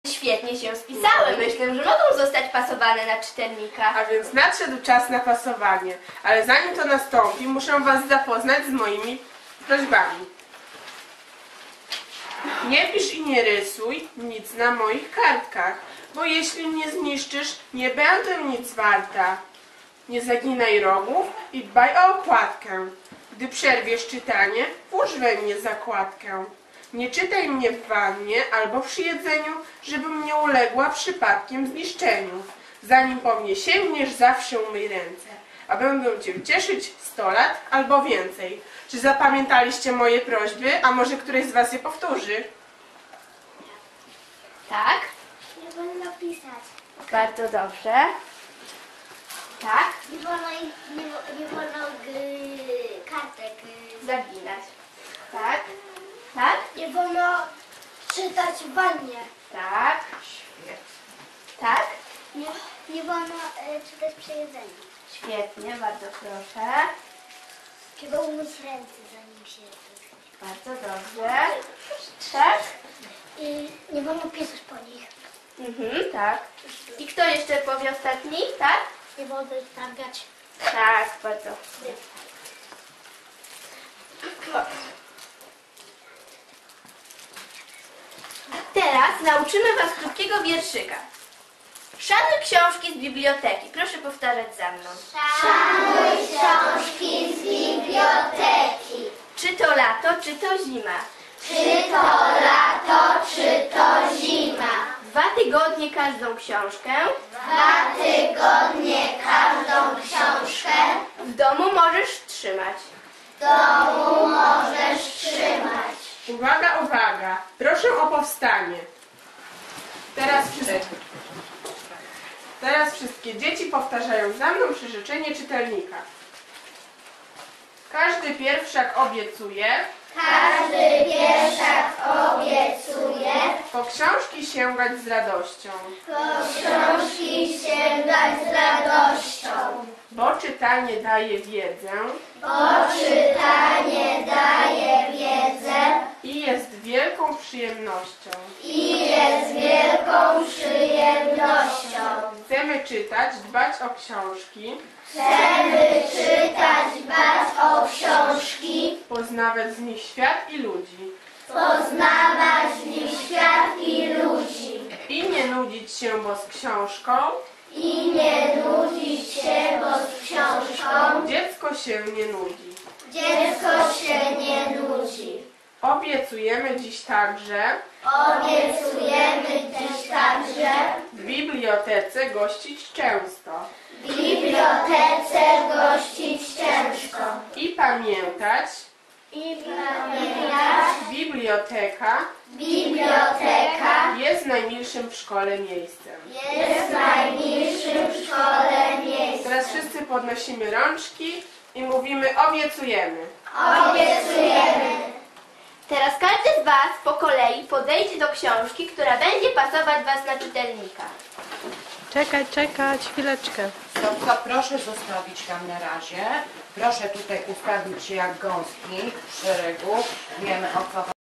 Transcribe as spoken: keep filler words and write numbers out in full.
Świetnie się spisały. Myślę, że mogą zostać pasowane na czytelnika. A więc nadszedł czas na pasowanie. Ale zanim to nastąpi, muszę was zapoznać z moimi prośbami. Nie pisz i nie rysuj nic na moich kartkach, bo jeśli mnie zniszczysz, nie będę nic warta. Nie zaginaj rogów i dbaj o okładkę. Gdy przerwiesz czytanie, włóż we mnie zakładkę. Nie czytaj mnie w wannie albo przy jedzeniu, żebym nie uległa przypadkiem zniszczeniu. Zanim po mnie sięgniesz, zawsze umyj ręce, a będę cię cieszyć sto lat albo więcej. Czy zapamiętaliście moje prośby, a może któryś z was je powtórzy? Tak? Nie wolno pisać. Bardzo dobrze. Tak? Nie wolno, nie, nie wolno y, kartek. Y, Zaginać. Tak? Tak? nie wolno czytać w wannie. Tak. Świetnie. Tak? Nie, nie wolno y, czytać przy jedzeniu. Świetnie, bardzo proszę. Trzeba umyć ręce zanim się je. Bardzo dobrze. Tak? I nie wolno pisać po nich. Mhm, tak. I kto jeszcze powie ostatni? Tak? Nie wolno targać. Tak, bardzo. Teraz nauczymy was krótkiego wierszyka. Szanuj książki z biblioteki. Proszę powtarzać za mną. Szanuj książki z biblioteki. Czy to lato, czy to zima? Czy to lato, czy to zima. Dwa tygodnie każdą książkę. Dwa tygodnie każdą książkę. W domu możesz trzymać. W domu możesz trzymać. Uwaga, uwaga! Proszę o powstanie. Teraz wszyscy. Teraz wszystkie dzieci powtarzają za mną przyrzeczenie czytelnika. Każdy pierwszak obiecuje, Każdy pierwszak obiecuje po książki sięgać z radością, po książki sięgać z radością, bo czytanie daje wiedzę bo czytanie daje wiedzę i jest wielką przyjemnością. i jest wielką przyjemnością. Chcemy czytać, dbać o książki, Chcemy czytać, dbać o książki, poznawać z nich świat i ludzi poznawać w nich świat i ludzi i nie nudzić się, bo z książką i nie nudzić się, bo z książką dziecko się nie nudzi. dziecko się nie nudzi. Obiecujemy dziś także Obiecujemy dziś także w bibliotece gościć często w bibliotece gościć ciężko i pamiętać, i pamiętać, biblioteka biblioteka jest najmilszym w szkole miejscem. jest najmilszym w szkole miejscem. Teraz wszyscy podnosimy rączki i mówimy obiecujemy. Obiecujemy. Teraz każdy z was po kolei podejdzie do książki, która będzie pasować was na czytelnika. Czekać, czekać, chwileczkę. Stopka, proszę zostawić tam na razie. Proszę tutaj ustawić się jak gąski w szeregu. Wiemy o co chodzi.